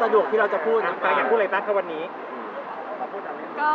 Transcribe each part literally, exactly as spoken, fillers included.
สะดวกที่เราจะพูดปางอยากพูดอะไรบ้างครับวันนี้ก็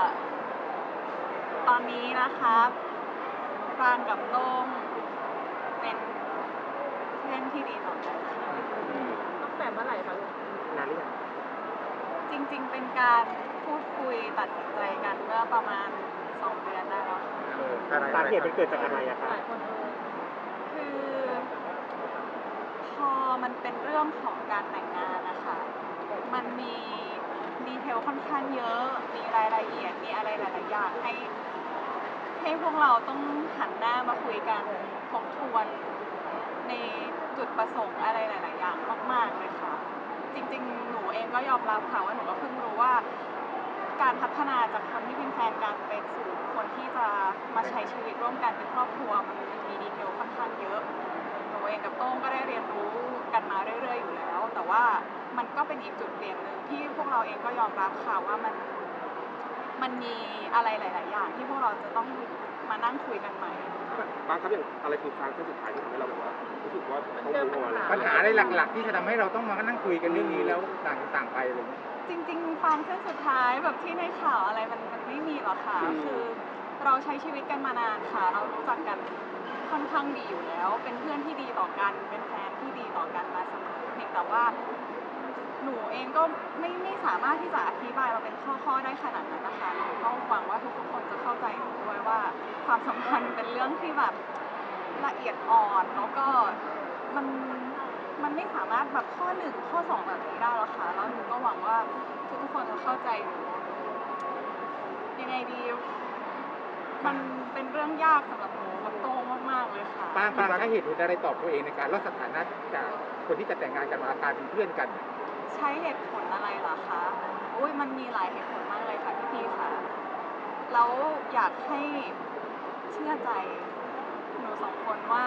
ตอนนี้นะคะปรางกับโต้งเป็นเพื่อนที่ดีต่อกันค่ะตั้งแต่เมื่อไหร่คะลูกนานหรือยังจริงๆเป็นการพูดคุยตัดสินใจกันเมื่อประมาณสองเดือนได้แล้วค่ะสาเหตุมันเกิดจากอะไรอะครับคือพอมันเป็นเรื่องของการแต่งงานนะคะมันมีดีเทลค่อนข้างเยอะมีรายละเอียดมีอะไรหลายๆอย่างให้ให้พวกเราต้องหันหน้ามาคุยกันทบทวนในจุดประสงค์อะไรหลายๆอย่างมากๆเลยค่ะจริงๆหนูเองก็ยอมรับค่ะว่าหนูก็เพิ่งรู้ว่าการพัฒนาจากคนที่เป็นแฟนกันไปสู่คนที่จะมาใช้ชีวิตร่วมกันเป็นครอบครัวมันมีดีเทลค่อนข้างเยอะหนูเองกับโต้งก็ได้เรียนรู้กันมาเรื่อยๆอยู่แล้วแต่ว่ามันก็เป็นอีกจุดเปลี่ยนหนึ่งที่พวกเราเองก็ยอมรับค่ะว่ามันมันมีอะไรหลายๆอย่างที่พวกเราจะต้องมานั่งคุยกันใหม่บางครั้งอย่างอะไรคือฟังเส้นสุดท้ายที่ทำให้เราแบบว่ารู้สึกว่าต้องรู้อะไรปัญหาอะไรหลักๆที่จะทำให้เราต้องมานั่งคุยกันเรื่องนี้แล้วต่างต่างไปเลยจริงๆฟังเส้นสุดท้ายแบบที่ในข่าวอะไรมันมันไม่มีหรอกค่ะคือเราใช้ชีวิตกันมานานค่ะเรารู้จักกันค่อนข้างดีอยู่แล้วเป็นเพื่อนที่ดีต่อกันเป็นแฟนที่ดีต่อกันมาเสมอเพียงแต่ว่าหนูเองก็ไม่ไม่สามารถที่จะอธิบายมาเป็นข้อๆได้ขนาดนั้นนะคะหนูก็หวังว่าทุกๆคนจะเข้าใจหนูด้วยว่าความสัมพันธ์เป็นเรื่องที่แบบละเอียดอ่อนแล้วก็มันมันไม่สามารถแบบข้อหนึ่งข้อสองแบบนี้ได้หรอกค่ะแล้วหนูก็หวังว่าทุกๆคนจะเข้าใจหนูยังไงดีมันเป็นเรื่องยากสำหรับหนูกับโต้งมากๆเลยค่ะปางปางใช้เหตุผลอะไรตอบตัวเองในการลดสถานะจากคนที่จะแต่งงานกันมากลายเป็นเพื่อนกันใช้เหตุผลอะไรเหรอคะโอ้ยมันมีหลายเหตุผลมากเลยค่ะพี่พี่ค่ะแล้วอยากให้เชื่อใจหนูสองคนว่า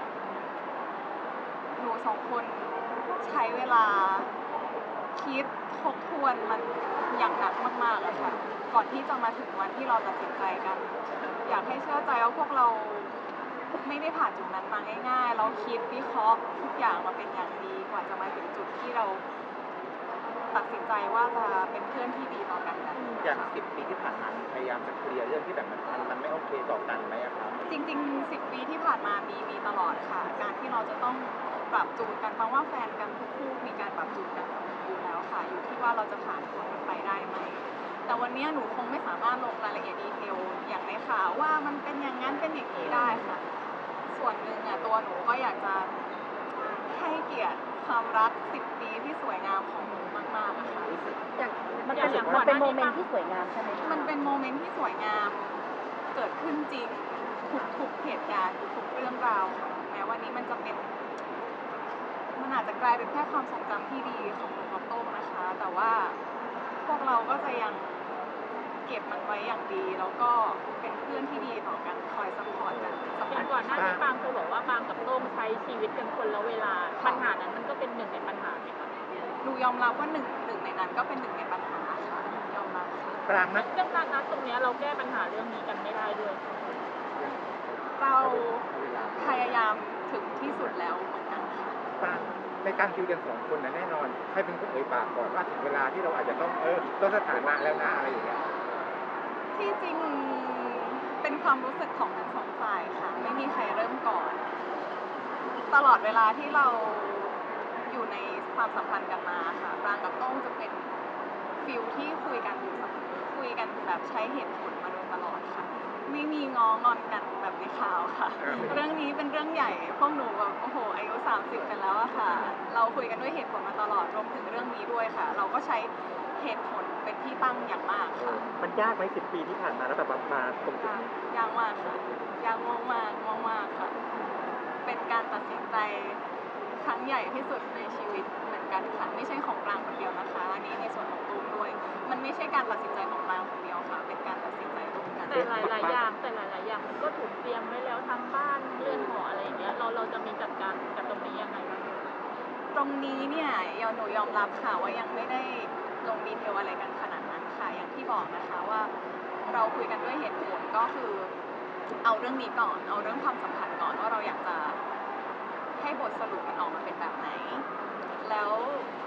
หนูสองคนใช้เวลาคิดทบทวนมันอย่างหนักมากๆเลยค่ะก่อนที่จะมาถึงวันที่เราตัดสินใจกันอยากให้เชื่อใจว่าพวกเราไม่ได้ผ่านจุดนั้นมาง่ายๆเราคิดวิเคราะห์ทุกอย่างมาเป็นอย่างดีกว่าจะมาถึงจุดที่เราตัดสินใจว่าจะเป็นเพื่อนที่ดีต่อกันแบบนี้อย่างสิบปีที่ผ่านมาพยายามจะเคลียร์เรื่องที่แบบมันมันไม่โอเคต่อกันไหมครับจริงๆสิบปีที่ผ่านมามีมีตลอดค่ะการที่เราจะต้องปรับจูนกันเพราะว่าแฟนกันทุกคู่มีการปรับจูนกันอยู่แล้วค่ะอยู่ที่ว่าเราจะผ่านพ้นมันไปได้ไหมแต่วันนี้หนูคงไม่สามารถลงรายละเอียดดีเทลอย่างในข่าวว่ามันเป็นอย่างนั้นเป็นอย่างนี้ได้ค่ะส่วนหนึ่งอ่ะตัวหนูก็อยากจะให้เกียรติความรักสิบปีที่สวยงามของหนูมากๆอะค่ะอย่างมันเป็นมันเป็นโมเมนต์ที่สวยงามใช่ไหมมันเป็นโมเมนต์ที่สวยงามเกิดขึ้นจริงทุกๆเหตุการณ์ทุกๆเรื่องราวค่ะแม้วันนี้มันจะเป็นมันอาจจะกลายเป็นแค่ความทรงจำที่ดีของหนูกับโต้งนะคะแต่ว่าพวกเราก็จะยังเก็บมันไว้อย่างดีแล้วก็เป็นเพื่อนที่ดีต่อกันคอยซัพพอร์ตกันอย่างก่อนหน้านี้ปางเคยบอกว่าปางกับโต้งใช้ชีวิตกันคนละเวลาปัญหานั้นมันก็เป็นหนึ่งในปัญหาไหมคะหนูยอมรับว่าหนึ่งหนึ่งในนั้นก็เป็นหนึ่งในปัญหาค่ะยอมรับค่ะปรางนะเรื่องการนัดตรงนี้เราแก้ปัญหาเรื่องนี้กันไม่ได้ด้วยเราพยายามถึงที่สุดแล้วเหมือนกันค่ะปรางในการคุยกันสองคนนะแน่นอนให้เป็นคนเอ่ยปากก่อนว่าถึงเวลาที่เราอาจจะต้องเออต้องสถานะแล้วนะอะไรอย่างเงี้ยที่จริงเป็นความรู้สึกของทั้งสองฝ่ายค่ะไม่มีใครเริ่มก่อนตลอดเวลาที่เราอยู่ในความสัมพันธ์กันมาค่ะปรางกับโต้งจะเป็นฟิลที่คุยกันอยู่เสมอคุยกันแบบใช้เหตุผลมาโดยตลอดค่ะไม่มีง้องอนกันแบบในข่าวค่ะเรื่องนี้เป็นเรื่องใหญ่พวกหนูแบบโอ้โหอายุสามสิบกันแล้วอะค่ะเราคุยกันด้วยเหตุผลมาตลอดรวมถึงเรื่องนี้ด้วยค่ะเราก็ใช้เหตุผลเป็นที่ตั้งอย่างมากค่ะมันยากไหมสิบปีที่ผ่านมาแล้วแบบมาตรงจุดนี้ยากมากค่ะยากมากมากมากมากค่ะเป็นการตัดสินใจครั้งใหญ่ที่สุดในชีวิตเหมือนกันค่ะไม่ใช่ของปรางคนเดียวนะคะอันนี้ในส่วนของตูมด้วยมันไม่ใช่การตัดสินใจของปรางคนเดียวค่ะเป็นการตัดสินใจร่วมกันแต่หลายๆอย่างแต่หลายๆอย่างมันก็ถูกเตรียมไว้แล้วทั้งบ้านเรือนหออะไรอย่างเงี้ยเราเราจะมีจัดการกับตรงนี้ยังไงบ้างตรงนี้เนี่ยหนูยอมรับค่ะว่ายังไม่ได้ลงดีเทลอะไรกันขนาดนั้นค่ะอย่างที่บอกนะคะว่าเราคุยกันด้วยเหตุผลก็คือเอาเรื่องนี้ก่อนเอาเรื่องความสัมพันธ์ก่อนว่าเราอยากจะให้บทสรุปมันออกมาเป็นแบบไหนแล้ว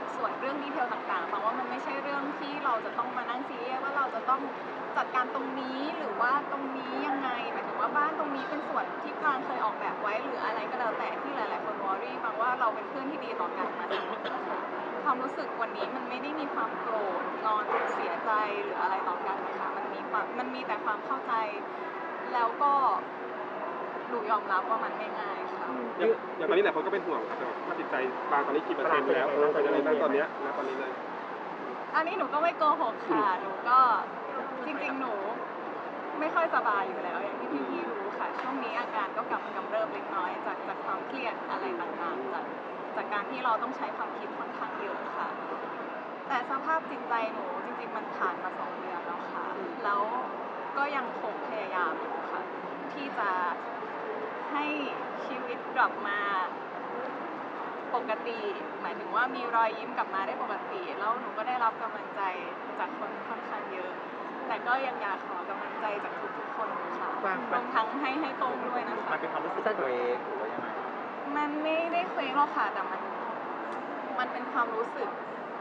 ส่วนเรื่องดีเทลต่างๆเพราะว่ามันไม่ใช่เรื่องที่เราจะต้องมานั่งซีเรียสว่าเราจะต้องจัดการตรงนี้หรือว่าตรงนี้ยังไงหมายถึงว่าบ้านตรงนี้เป็นส่วนที่ปรางเคยออกแบบไว้หรืออะไรก็แล้วแต่ที่หลายๆคนวอรี่บางว่าเราเป็นเพื่อนที่ดีต่อกันมาเสมอนะคะความรู้สึกวันนี้มันไม่ได้มีความโกรธงอนเสียใจหรืออะไรต่อกันนะคะมันมีความมันมีแต่ความเข้าใจแล้วก็หนูยอมรับว่ามันไม่ง่ายค่ะอย่างอย่างตอนนี้หลายคนก็เป็นห่วงครับว่าจิตใจบางตอนนี้กี่เปอร์เซ็นต์แล้วเออเป็นยังไงบ้างตอนเนี้ยณตอนนี้เลยอันนี้หนูก็ไม่โกหกค่ะ หนูก็จริงๆ หนูไม่ค่อยสบายอยู่แล้ว อย่างที่พี่ๆรู้ค่ะ ช่วงนี้อาการก็กลับมากำเริบเล็กน้อยจากจากความเครียดอะไรต่างๆ จากจากการที่เราต้องใช้ความคิดค่อนข้างเยอะค่ะ แต่สภาพจิตใจหนูจริงๆ มันผ่านมาสองเดือนแล้วค่ะ แล้วก็ยังคงพยายามอยู่ค่ะ ที่จะให้ชีวิตกลับมาปกติ หมายถึงว่ามีรอยยิ้มกลับมาได้ปกติ แล้วหนูก็ได้รับกำลังใจจากคนค่อนข้างเยอะ แต่ก็ยังอยากขอกำลังใจจากทุกๆคนค่ะรวมทั้งให้ให้ตรงด้วยนะคะมันเป็นความรู้สึกตัวเองหรือว่ายังไงมันไม่ได้เคว้งหรอกค่ะ แต่มันมันเป็นความรู้สึก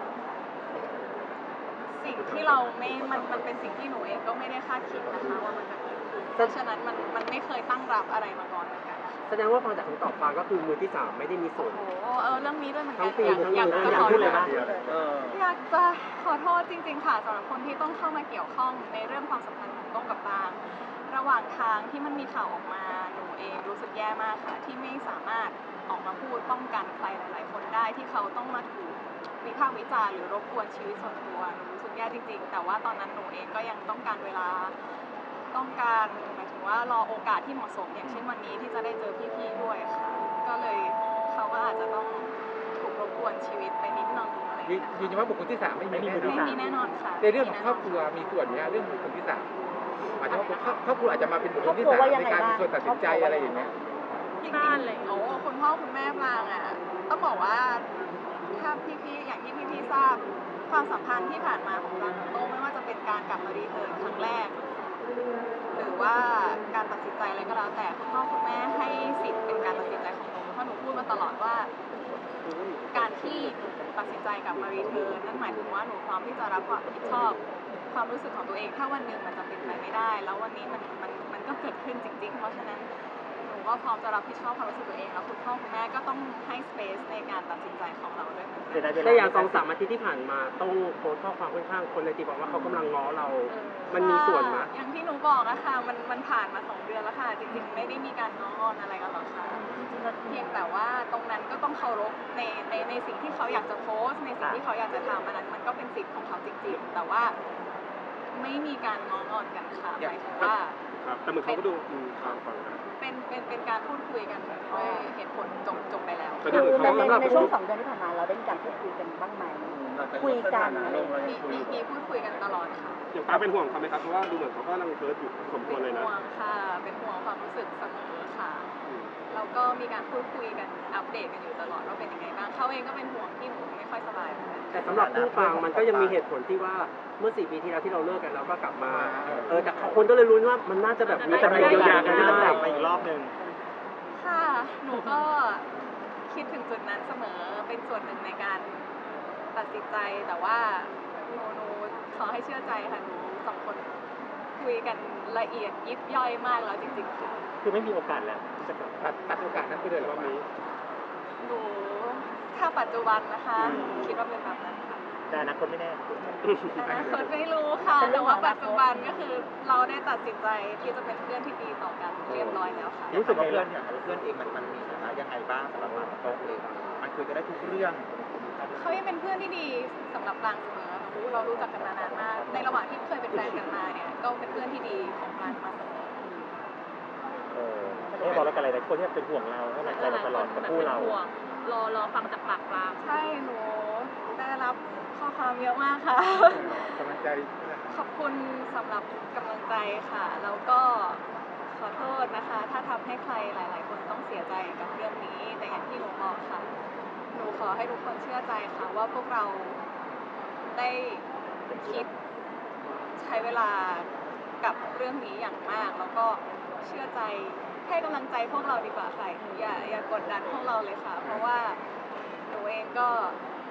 สิ่งที่เราไม่ มันมันเป็นสิ่งที่หนูเองก็ไม่ได้คาดคิดนะคะว่ามันจะเกิดขึ้นเพราะฉะนั้นมันมันไม่เคยตั้งรับอะไรมาก่อนเหมือนกันค่ะแสดงว่าฟังจากคำตอบปางก็คือมือที่สามไม่ได้มีส่วนโอ้โหเออเรื่องนี้ด้วยเหมือนกัทั้นงปีอยากทั้งอยากเดือนจะอยาขกอพูดเลยโทปะษเอออยากจะขอโทษจริง ๆ ค่ะสำหรับคนที่ต้องเข้ามาเกี่ยวข้องในเรื่องความสัมพันธ์ของต้องกับปาง ระหว่างทางที่มันมีข่าวออกมาหนูเองรู้สึกแย่มากค่ะ ที่ไม่สามารถออกมาพูดป้องกันใครหลาย ๆ คนได้ที่เขาต้องมาถูกวิพากษ์วิจารณ์หรือรบกวนชีวิตส่วนตัวหนูรู้สึกแย่จริง ๆ แต่ว่าตอนนั้นหนูเองก็ยังต้องการเวลา ต้องการหมายถึงว่ารอโอกาสที่เหมาะสมอย่างเช่นวันนี้ที่จะได้เจอพี่ๆด้วยค่ะ ก็เลยเขาก็อาจจะต้องถูกรบกวนชีวิตไปนิดนึงอะไรอย่างยืเงี้ยยืนยันว่าบุคคลที่สามไม่มีไม่มีแน่บุคคลที่นอนไม่มีแน่นอนค่ะในเรื่องของครอบครัวมีส่วนไหมฮะเรื่องบุคคลที่สามหมายถึงว่าครอบครัวอาจจะมาเป็นบุคคลที่สามในการมีส่วนตัดสินใจอะไรอย่างเงี้ยจริงบ้านเลยๆโอ้คุณพ่อคุณแม่ปรางอ่ะต้องบอกว่าถ้าพี่ๆอย่างที่พี่ๆทราบความสัมพันธ์ที่ผ่านมาของปรางกับโต้ไม่ว่าจะเป็นการกลับมารีเทิร์นครั้งแรก หรือว่าการตัดสินใจอะไรก็แล้วแต่คุณพ่อคุณแม่ให้สิทธิ์เป็นการตัดสินใจของหนูเพราะหนูพูดมาตลอดว่า การที่หนูตัดสินใจกลับมารีเทิร์นนั่นหมายถึงว่าหนูพร้อมที่จะรับความผิดชอบความรู้สึกของตัวเองถ้าวันหนึ่งมันจะเป็นไปไม่ได้ แล้ววันนี้มันมันมันก็เกิดขึ้นจริง ๆ เพราะฉะนั้นหนูก็พร้อมจะรับผิดชอบความรู้สึกตัวเองแล้วคุณพ่อคุณแม่ก็ต้องให้สเปซในการตัดสินใจของเราด้วยเหมือนกันแต่อย่างสองสามอาทิตย์ที่ผ่านมาต้องโพสต์ข้อความค่อนข้างคนเลยตีบอกว่าเขากำลังง้อเรา มันมีส่วนไหมค่ะอย่างที่หนูบอกอะค่ะมันมันผ่านมาสองเดือนแล้วค่ะ จริงๆ ไม่ได้มีการง้องอนอะไรกันหรอกค่ะเพียงแต่ว่าตรงนั้นก็ต้องเคารพในในในสิ่งที่เขาอยากจะโพสต์ในสิ่งที่เขาอยากจะทำอันนั้นมันก็เป็นสิทธิ์ของเขาจริงๆ แต่ว่าไม่มีการง้องอนกันค่ะหมายถึงว่าครับแต่เหมือนเขาก็ดูอืมฟังฟังนะเป็นเป็นเป็นการพูดคุยกันด้วยเหตุผลจบจบไปแล้วแต่คือดูเหมือนในเขาในในช่วงสองเดือนที่ผ่านมาเราได้มีการพูดคุยกันบ้างไหม คุยกันอะไรมีมีมีพูดคุยกันตลอดค่ะอย่างป้าเป็นห่วงเขาไหมครับเพราะว่าดูเหมือนเขาก็กำลังเคิร์ดอยู่สมควรเลยเป็นนะห่วงค่ะ เป็นห่วงความรู้สึกเสมอค่ะอืมแล้วก็มีการพูดคุยกันอัปเดตกันอยู่ตลอดว่าเป็นยังไงบ้างเขาเองก็เป็นห่วงที่หนูไม่ค่อยสบายเหมือนกันแต่สำหรับคู่ปางมันก็ยังมีเหตุผลที่ว่าเมื่อสี่ปีที่แล้วที่เราเลิกกันเราก็กลับมา เออแต่คนก็เลยรู้นว่ามันน่าจะแบบมีการเยียวยากันที่ต้องกได้ลับมาอีกรอบหนึ่งค่ะ หนูก็คิดถึงจุดนั้นเสมอ เป็นส่วนหนึ่งในการตัดสินใจ แต่ว่าหนูหนูขอให้เชื่อใจค่ะ หนูสองคนคุยกันละเอียดยิบย่อยมากแล้วจริงๆค่ะคือไม่มีโอกาสแล้วที่จะกลับตัดตัดโอกาสนั้นไปเลยเหรอรอบวะนี้หนูถ้าปัจจุบันนะคะคิดว่าเป็นแบบนั้นค่ะแต่อนาคตไม่แน่อนาคตไม่รู้ค่ะ แต่ว่าปัจจุบันก็คือเราได้ตัดสินใจที่จะเป็นเพื่อนที่ดีต่อกันเรียบร้อยแล้วค่ะรู้สึกว่าเพื่อนอย่างเพื่อนเองมันมันมีฐานะยังไงบ้างสำหรับปางกับโต๊ะเองมันคุยกันได้ทุกเรื่องเขายังเป็นเพื่อนที่ดีสำหรับปรางเสมอรู้เรารู้จักกันมานานมาก ในระหว่างที่เคยเป็นแฟนกันมาเนี่ยก็เป็นเพื่อนที่ดีของปรางมาเสมอเออไม่บอกแล้วกันอะไรแต่คนที่เป็นห่วงเราให้กำลังใจเราตลอดกับคู่เราหลยคนแบบเป็นห่วงรอรอฟังจากปากปรางใช่หนูได้รับข้อความเยอะมากค่ะกำลังใจขอบคุณสำหรับกำลังใจค่ะ แล้วก็ขอโทษนะคะ ถ้าทำให้ใครหลาย ๆ คนต้องเสียใจกับเรื่องนี้ แต่อย่างที่หนูบอกค่ะ หนูขอให้ทุกคนเชื่อใจค่ะว่าพวกเราได้คิดใช้เวลากับเรื่องนี้อย่างมาก แล้วก็เชื่อใจให้กำลังใจพวกเราดีกว่าค่ะอย่าอย่ากดดันพวกเราเลยค่ะ เพราะว่าหนูเองก็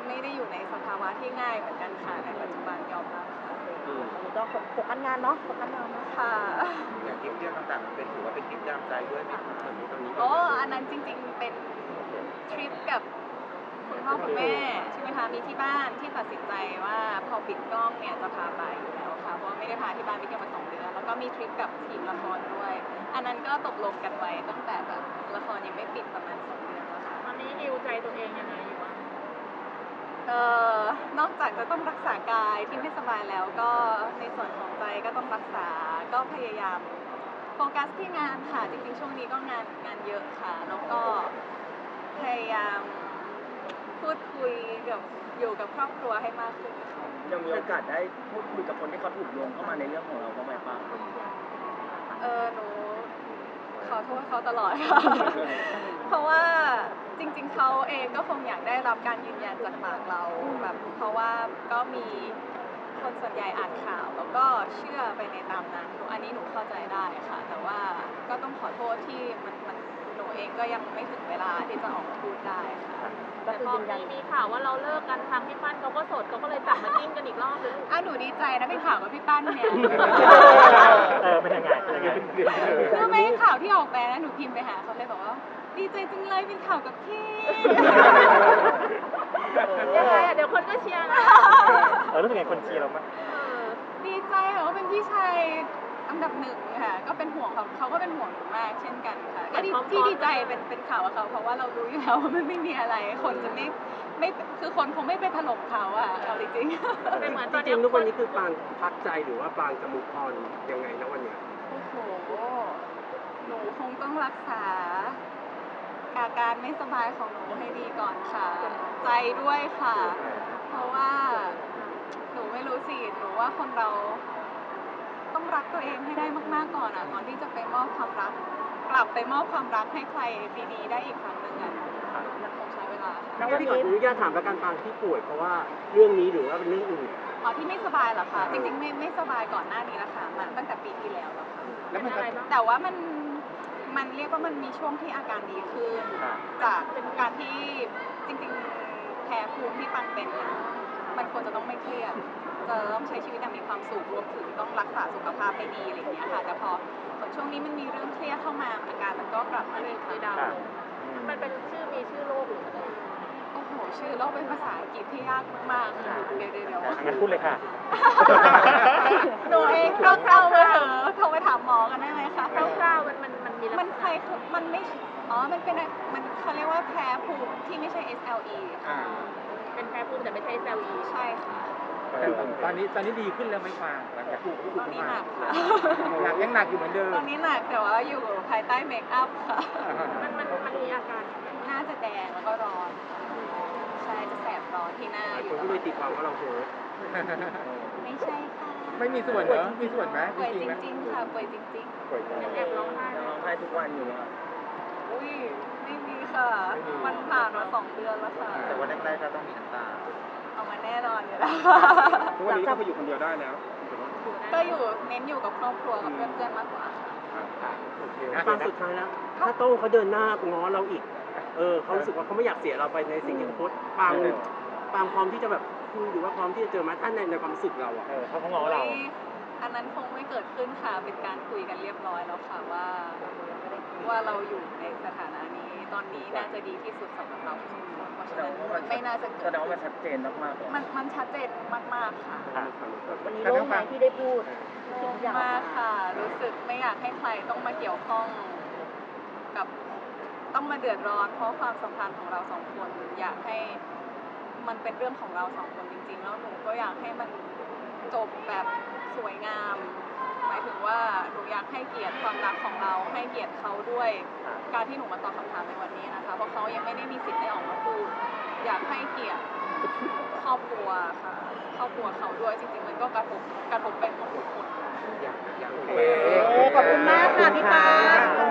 ไม่ได้อยู่ในสภาวะที่ง่ายเหมือนกันค่ะในปัจจุบันยอมรับค่ะตอนนี้ก็โฟกัสงานเนาะโฟกัสงานเนาะค่ะอย่างทริปเที่ยวต่างๆมันเป็นถือว่าเป็นทริปยามใจด้วยไหมคะตอนนี้โอ้อันนั้นจริงๆเป็นทริปกับคุณพ่อคุณแม่ใช่ไหมคะมีที่บ้านที่ตัดสินใจว่าพอปิดกล้องเนี่ยจะพาไปอยู่แล้วค่ะเพราะว่าไม่ได้พาที่บ้านไปเที่ยวมาสองเดือนแล้วก็มีทริปกับทีมละครด้วย อันนั้นก็ตกลงกันไว้ตั้งแต่แบบละครยังไม่ปิดประมาณสองเดือนแล้วค่ะตอนนี้ฮิวใจตัวเองยังไงอยู่บ้างเอ่อนอกจากจะต้องรักษากายที่ไม่สบายแล้วก็ในส่วนของใจก็ต้องรักษาก็พยายามโฟกัสที่งานค่ะจริงๆช่วงนี้ก็งานงานเยอะค่ะแล้วก็พยายามพูดคุยกับอยู่กับครอบครัวให้มากขึ้นค่ะยังมีโอกาสได้พูดคุยกับคนที่เขาถูกโยงเข้ามาในเรื่องของเราบ้างไหมป้าเออหนูขอโทษเขาตลอดค่ะ เพราะว่าจริงๆเขาเองก็คงอยากได้รับการยืนยันจากปากเราแบบเพราะว่าก็มีคนส่วนใหญ่อ่านข่าวแล้วก็เชื่อไปในตามนั้นหนูอันนี้หนูเข้าใจได้ค่ะ แต่ว่าก็ต้องขอโทษที่มันมันหนูเองก็ยังไม่ถึงเวลาที่จะออกมาพูดได้ค่ะก็แต่คือพอยืนยันมีมีข่าวว่าเราเลิกกันทางพี่ปั้นเขาก็โสดเขาก็เลยกลับมาจิ้นกันอีกรอบเลยลูกอ่ะหนูดีใจนะเป็นข่าวกับพี่ปั้นเนี่ยเออเป็นยังไงเป็นยังไงคือไม่ข่าวที่ออกไปนะหนูพิมพ์ไปหาเขาเลยบอกว่าดีใจจังเลยเป็นข่าวกับพี่ยังไงอ่ะเดี๋ยวคนก็เชียร์นะเออรู้สึกไงคนเชียร์เรามั้ยเออดีใจค่ะว่าเป็นพี่ชายอันดับหนึ่งค่ะก็เป็นห่วงเขาเขาก็เป็นห่วงหนูมากเช่นกันค่ะก็ดีที่ดีใจเป็นเป็นข่าวกับเขาเพราะว่าเรารู้อยู่แล้วว่ามันไม่มีอะไรคนจะไม่ไม่คือคนคงไม่ไปถล่มเขาอ่ะเอาจริงๆไม่เหมือนตจอนริเนี้ยงๆทุกวันนี้คือปางพักใจหรือว่าปางจะมุกออนยังไงนะวันเนี้ยโอ้โห หนูคงต้องรักษาอาการไม่สบายของหนูให้ดีก่อนค่ะ ใจด้วยค่ะ เพราะว่าหนูไม่รู้สิ หนูว่าคนเราต้องรักตัวเองให้ได้มากๆก่อนอ่ะก่อนที่จะไปมอบความรัก กลับไปมอบความรักให้ใครดีๆได้อีกครั้งหนึ่งอ่ะมันคงใช้เวลาค่ะแล้ววันพี่ขอนี้อนุญาตถามประกันปางที่ป่วยเพราะว่าเรื่องนี้หรือว่าเป็นเรื่องอื่นอ๋อที่ไม่สบายเหรอคะ จริงๆไม่ไม่สบายก่อนหน้านี้แล้วค่ะมาตั้งแต่ปีที่แล้วแล้วค่ะแล้วมันเป็นอะไรบ้างแต่ว่ามันมันเรียกว่ามันมีช่วงที่อาการดีขึ้น จากการที่จริงๆแพ้ภูมิที่ปังเป็นเนี่ยมันควรจะต้องไม่เครียดจะต้องใช้ชีวิตอย่างมีความสุขรวมถึงต้องรักษาสุขภาพให้ดีอะไรอย่างเงี้ยค่ะแต่พอเหมือนช่วงนี้มันมีเรื่องเครียดเข้ามาอาการมันก็กลับมาอีกคือค่ะดาวน์มันเป็นชื่อมีชื่อโรคหรืออะไรโอ้โหชื่อโรคเป็นภาษาอังกฤษที่ยากมากๆค่ะเดี๋ยวเดี๋ยวเดี๋ยวงั้นพูดเลยค่ะหนูเองก็เข้ามาเถอะโทรไปถามหมอกันได้ไหมคะคร่าวๆมันมันมันมีลักษณะมันใครคือมันไม่ อ๋อ มันเป็น มันเขาเรียกว่าแพ้ภูมิที่ไม่ใช่ เอส แอล อีอ่าเป็นแพ้ภูมิแต่ไม่ใช่ เอส แอล อีใช่ค่ะตอนนี้ตอนนี้ดีขึ้นแล้วไหมฟางหลังจากถูกตอนนี้หนักค่ะหนักยังหนักอยู่เหมือนเดิมตอนนี้หนักแต่ว่าอยู่ภายใต้เมคอัพค่ะมันมันมันมีอาการยังไงหน้าจะแดงแล้วก็ร้อนค่ะใช่จะแสบร้อนที่หน้าอคยู่นตก็ลเลอย ดตีความว่าเราโหดไม่ใช่ค่ะไม่มีส่วนเหรอมีส่วนไหมป่วยจริจงๆไหมริงๆค่ะป่วยจริงป่วยจริงยังแอบร้องไห้ยังร้องไห้ทุกวันอยู่เลยๆ อุ้ย ไม่มีค่ะ มันผ่านมาสองเดือนแล้วค่ะแต่วันแรกๆก็ต้องมีน้ำตาเอามาแน่นอนอยู่แล้วทุกวันนี้ก็ไปอยู่คนเดียวได้แล้วก็อยู่เน้นอยู่กับครอบครัวกับเพื่อนๆมากกว่าค่ะโอเคนะปางสุดท้ายแล้ว ถ้าโต้งเขาเดินหน้าง้อเราอีก เออเขารู้สึกว่าเขาไม่อยากเสียเราไปในสิ่งที่เขาโพสต์ปางปางพร้อมที่จะแบบคุยหรือว่าพร้อมที่จะเจอมาท่านในในความรู้สึกเราอะเออเขาเขาง้อเราอุ๊ยอันนั้นคงไม่เกิดขึ้นค่ะ เป็นการคุยกันเรียบร้อยแล้วค่ะว่า ว่าเราอยู่ในสถานะนี้ ตอนนี้น่าจะดีที่สุดสำหรับเราทุกคนเพราะฉะนั้นไม่น่าจะเกิดแสดงว่ามันชัดเจนมากๆเลยมันมันชัดเจนมากๆค่ะวันนี้โล่งไหมที่ได้พูดสิ่งทุกอย่างออกมากมาค่ะ รู้สึกไม่อยากให้ใครต้องมาเกี่ยวข้องกับต้องมาเดือดร้อน เพราะความสัมพันธ์ของเราสองคน อยากให้มันเป็นเรื่องของเราสองคนจริงๆ แล้วหนูก็อยากให้มันจบแบบสวยงาม หมายถึงว่าหนูอยากให้เกียรติความรักของเรา ให้เกียรติเขาด้วย การที่หนูมาตอบคำถามในวันนี้นะคะ เพราะเขายังไม่ได้มีสิทธิ์ได้ออกมาพูด อยากให้เกียรติครอบครัวค่ะ ครอบครัวเขาด้วย จริงๆ มันก็กระทบกระทบไปหมดทุกคนอยากอยากโอเคขอบคุณมากค่ะพี่ปา